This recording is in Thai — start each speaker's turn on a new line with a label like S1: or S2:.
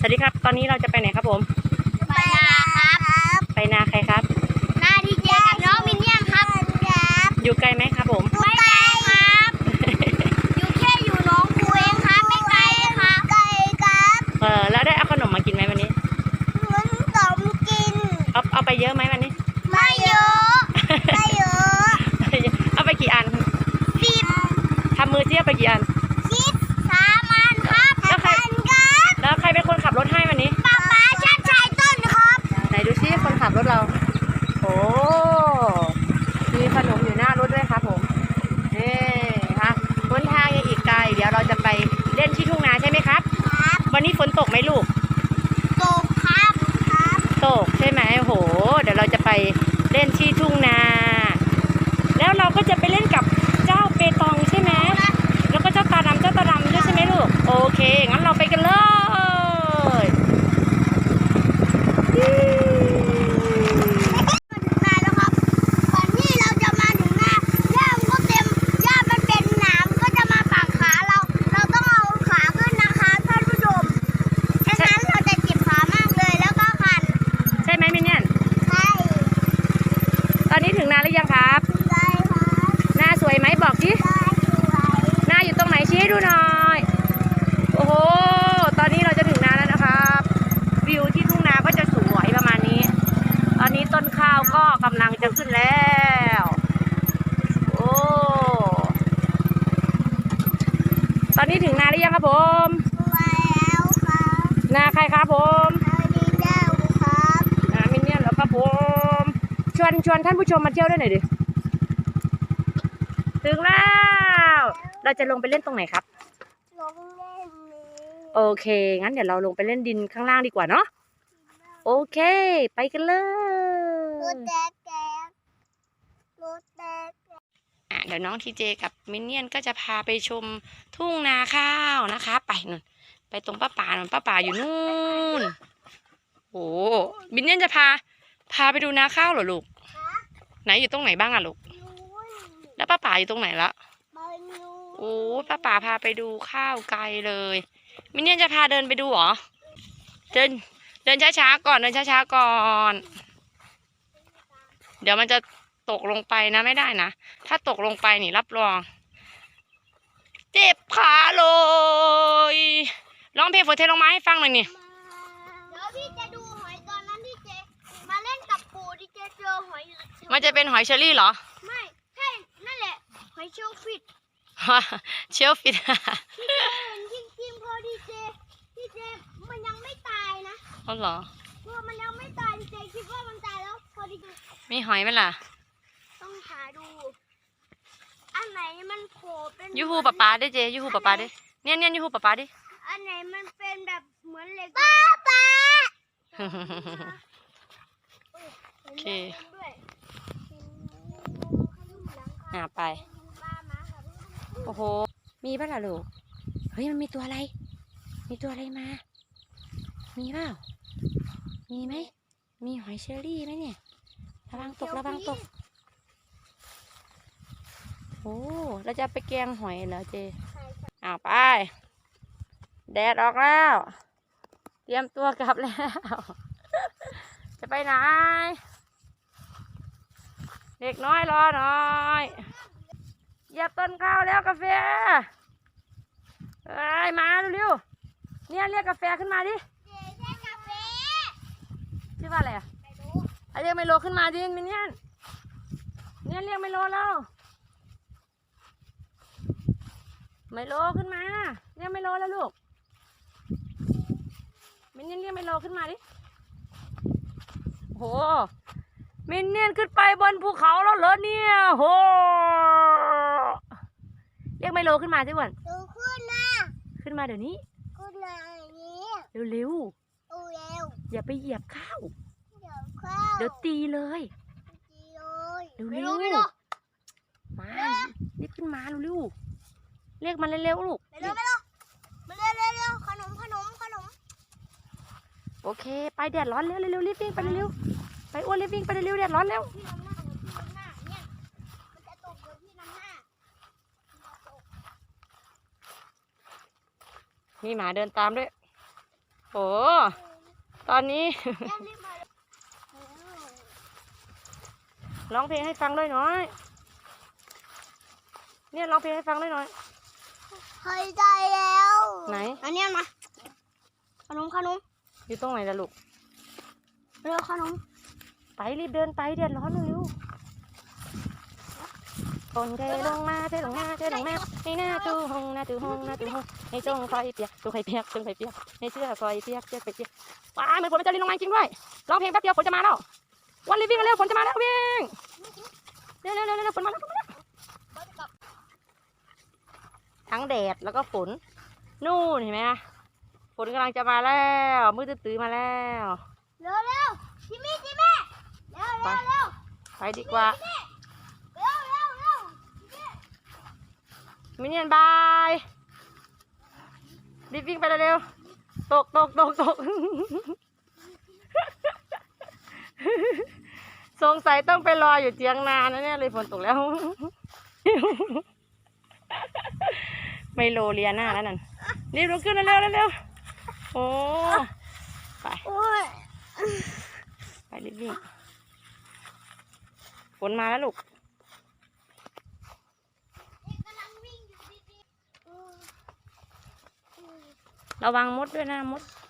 S1: วัสดีครับตอนนี้เราจะไปไหนครับผม
S2: ไปนาครับ
S1: ไปนาใครครับ
S2: นาดีเจกับน้องมินเนี่ยนครับ
S1: อยู่ไกลไหมครับผม
S2: ไม่ไกลครับอยู่แค่อยู่น้องคูเองครับไม่ไกลครับไกลครับ
S1: แล้วได้เอาขนมมากินไหมวันนี้
S2: มันสมกิน
S1: เอาไปเยอะไหมวันนี้
S2: ไม่เยอะไม่เยอะ
S1: เอาไปกี่อัน
S2: 10
S1: ทำมือเจี๊ยบไปกี่อัน
S2: 3 อันครับ
S1: แล้วใครเป็นคนขับรถให้วันนี้
S2: ป๊าชัดชัยต้นครับ
S1: ไหนดูซิคนขับรถเราโอ้มีขนมอยู่หน้ารถด้วยครับผมนี่ค่ะบนทางยังอีกไกลเดี๋ยวเราจะไปเล่นที่ทุ่งนาใช่ไหมครับวันนี้ฝนตกไหมลูก
S2: ตกครับ
S1: ตกใช่ไหมโหเดี๋ยวเราจะไปเล่นที่ทุ่งนาแล้วเราก็จะไปเล่นกับเจ้าเปตองใช่ไหมแล้วก็เจ้าตาดำด้วยใช่ไหมลูกโอเคงั้นเราไปกันเลย
S2: นาแล้วครับก่อนที่เราจะมาถึงนาหญ้ามันก็เต็มหญ้ามันเป็นหนามก็จะมาปักขาเราต้องเอาขาขึ้นนะคะท่านผู้ชมฉะนั้นเราจะเจ็บขามากเลยแล้วก็คัน
S1: ใช่ไหมมินเนี่ย
S2: ใช่
S1: ตอนนี้ถึงนาหรือยังครับ
S2: ใช่ครับ
S1: นาสวยไหมบอกสินาอยู่ตรงไหนชี้ให้ดูหน่อยโอ้โหตอนนี้เราจะถึงนาแล้วนะครับวิวที่ทุ่งนาก็จะสวยประมาณนี้ตอนนี้ต้นข้าวก็กำลังจะขึ้นแล้วโอ้ตอนนี้ถึงนาหรือยังครับผม
S2: แล้วครับ
S1: นาใครครับผม
S2: ดีเจ้าครับ
S1: นามินเนี่ยเหรอครับผมชวนท่านผู้ชมมาเที่ยวด้วยหน่อยดิถึงแล้วเราจะลงไปเล่นตรงไหนครับ
S2: ลงเล่น
S1: โอเคงั้นเดี๋ยวเราลงไปเล่นดินข้างล่างดีกว่าเนาะโอเคไปกันเลย
S2: รถแดก
S1: เดี๋ยวน้องทีเจกับมินเนี่ยนก็จะพาไปชมทุ่งนาข้าวนะคะไปนู่นไปตรงป้าป่านู่นป้าป่าอยู่นู่นโอ้มินเนี่ยนจะพาไปดูนาข้าวเหรอลูกไหนอยู่ตรงไหนบ้างอะลูกแล้วป้าป่าอยู่ตรงไหนละโอ้ป้าป่าพาไปดูข้าวไกลเลยมินเนี่ยนจะพาเดินไปดูเหรอเดินช้าๆก่อนเดี๋ยวมันจะตกลงไปนะไม่ได้นะถ้าตกลงไปนี่รับรองเจ็บขาเลยร้องเพลงฝนเทลงมาให้ฟังหน่อยนี่
S2: เดี๋ยวพี่จะดูหอยตอนนั้นที่เจมาเล่นกับปู่ที่เจเจอหอย
S1: มันจะเป็นหอยเชอรี่เหรอ
S2: ไม่ใช่นั่นแหละหอยเชลฟิต
S1: เชลฟิต
S2: จริงๆพอดีเจมันยังไม่ตายนะ
S1: อ๋อเหรอ
S2: พอมันยังไม่ตายเจคิดว่ามันตายแล้วพอดี
S1: มีหอยไหมล่ะ
S2: ต้องหาดูอันไหนมันโผล่เป็น
S1: ยูฮูป๊าดิเจยูฮูป๊าดิเนี่ยยูฮูป๊าดิ
S2: อันไหนมันเป็นแบบเหมือนเหล็ก
S1: ป้าโอเคไปโอ้โหมีป่ะล่ะลูกเฮ้ยมันมีตัวอะไรมามีเปล่ามีไหมมีหอยเชอรี่ไหมเนี่ยระวังตกโอ้เราจะไปแกงหอยเหรอเจไปแดดออกแล้วเตรียมตัวกลับแล้วจะไปไหนเด็กน้อยรอหน่อยเหยียบต้นข้าวแล้วกาแฟมาเร็วๆเนี่ยเรียกกาแฟขึ้นมาดิชื่อว่าอะไรเรียกไมโลขึ้นมาดิมินเนี่ยเรียกไมโลแล้วไมโลขึ้นมาเรียกไมโลแล้วลูกมินเนี่ยเรียกไมโลขึ้นมาดิโหมินเนี่ยขึ้นไปบนภูเขาแล้วเหรอเนี่ยโหเรียกไมโลขึ้นมาสิวันขึ้นมาเดี๋ยวนี้เร็วอย่าไปเหยียบข้าวเดี๋ยวตีเลยเร็วมารีบขึ้นมาเร็วเรียกมันเร็วลูก
S2: เร็วขนม
S1: โอเคไปแดดร้อนเร็วรีบวิ่งไปเร็วไปอ้วนรีบวิ่งไปเร็วแดดร้อนเร็วมีหมาเดินตามด้วยโอ้ตอนนี้
S2: ย่ารีบมา
S1: ร้องเพลงให้ฟังด้วยหน่อยเนี่ยร้องเพลงให้ฟังด้วยหน่อย
S2: หายใจแล้ว
S1: ไหน
S2: อันเนี้ยมาขนม
S1: อยู่ตรงไหนล่ะลูก
S2: เร็วขนม
S1: ไปรีบเดินไปเดือดร้อนเร็วฝนเทลงมาเทลงมาเทลงมาให้หน้าตู้ห้องหน้าตู้ห้องหน้าตู้ห้องให้จงคอยเปียกจงคอยเปียกจงคอยเปียกให้เสื้อคอยเปียกเสื้อคอยเปียกว้ายเหมือนฝนมันจะรินลงมาจริงด้วยร้องเพลงแป๊บเดียวฝนจะมาแล้ววันรีบวิ่งเร็วฝนจะมาแล้ววิ่งเร็วเร็วเร็วเร็วฝนมาแล้วฝนมาแล้วทั้งแดดแล้วก็ฝนนู่นเห็นไหมฝนกำลังจะมาแล้วมืดตื้อมาแล้ว
S2: เร็วจิมมี่เร็ว
S1: ไปดีกว่า
S2: เร็ว
S1: มินเนี่ยนบายรีบวิ่งไปเร็วๆตก สงสัยต้องไปรออยู่เจียงนานะเนี่ยเลยฝนตกแล้ว ไม่โลเลียหน้าแล้วนั่นรีบลุกขึ้นเร็วโอ้ไป
S2: โอ้ย
S1: ไปรีบวิ่งฝนมาแล้วลูก
S2: กำลังวิ่งอยู่ดี
S1: ระวังมดด้วยนะมด